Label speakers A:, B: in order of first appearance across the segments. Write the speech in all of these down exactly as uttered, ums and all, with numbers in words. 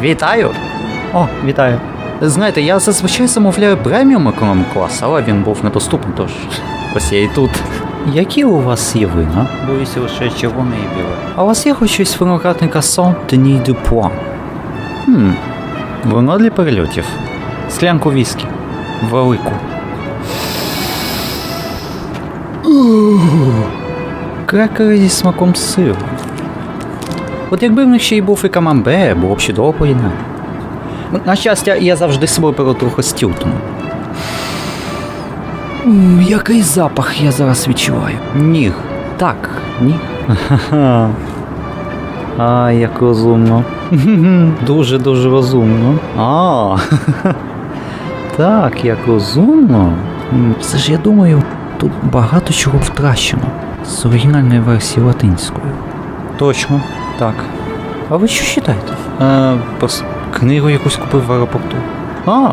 A: Вітаю!
B: О, вітаю.
A: Знаєте, я зазвичай замовляю преміум економ-клас, але він був недоступний, тож ось я і тут.
B: Які у вас є вина?
A: Боюся лише червоне і біле.
B: А у вас є хоч щось виноградника Saint-Denis du Point?
A: Хм, воно для перельотів.
B: Склянку віскі. Велику. Крекери зі смаком сиру. От якби в них ще й був і камамбер, було б чудово поєднання. На щастя, я завжди з собою беру трохи стілтону. Ммм, який запах я зараз відчуваю.
A: Ніг.
B: Так, ніг.
A: Ха-ха. А, як розумно.
B: Дуже-дуже розумно.
A: А,
B: Так, як розумно. М, Все ж я думаю, тут багато чого втрачено з оригінальної версії латинською.
A: точно, так.
B: А ви що читаєте?
A: Е, просто книгу якусь купив в аеропорту.
B: А,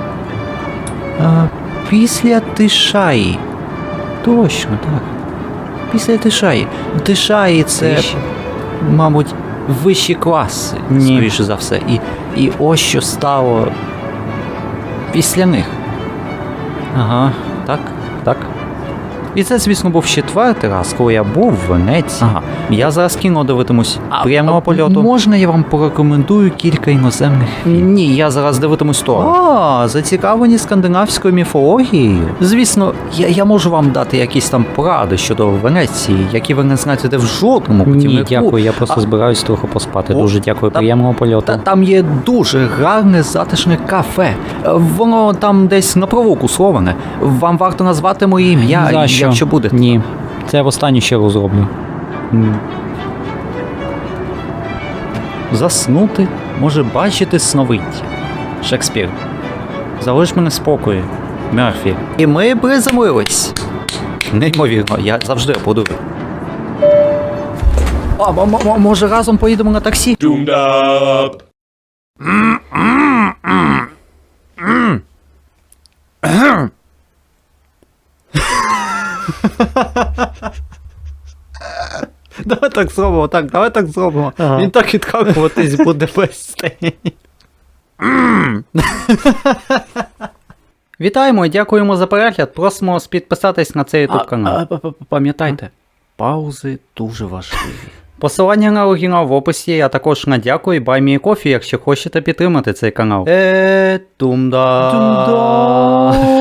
B: а після Тишаї. Точно, так. Після Тишаї. Тишаї це,
A: Тиші?
B: мабуть, вищі класи,
A: Ні.
B: скоріше за все. І, і ось що стало після них.
A: Ага, так, так. І це, звісно, був четвертий раз, коли я був в Венеції.
B: Ага.
A: Я зараз кіно дивитимусь прямого
B: А
A: польоту.
B: Можна я вам порекомендую кілька іноземних фільмів?
A: Ні, я зараз дивитимусь то.
B: А, зацікавлені скандинавською міфологією? Звісно, я, я можу вам дати якісь там поради щодо Венеції, які ви не знайдете в жодному путівнику.
A: Ні, дякую, я просто
B: А-
A: збираюсь трохи поспати.
B: О,
A: Дуже дякую,
B: та-
A: приємного польоту.
B: Та там є дуже гарне затишне кафе. Е, Воно там десь на провулку словане. Вам варто назвати моє ім'я,
A: За що?
B: якщо буде.
A: Ні, це я в останню ще раз зроблю.
B: М. Заснути може бачити сновиддя. Шекспір. Залиш мене в спокої, Мерфі. І ми приземлились. Неймовірно, я завжди аплодую. А, м- м- може разом поїдемо на таксі?
C: Doomed up.
B: Давай так зробимо, так, давай так зробимо.
A: Ага.
B: Він так відкакуватись буде без Вітаємо і дякуємо за перегляд. Просимо вас підписатись на цей YouTube канал. Пам'ятайте, паузи дуже важливі. Посилання на оригінал в описі, а також на дякую і Buy Me a Coffee, якщо хочете підтримати цей канал. Е, тумда. Тумда.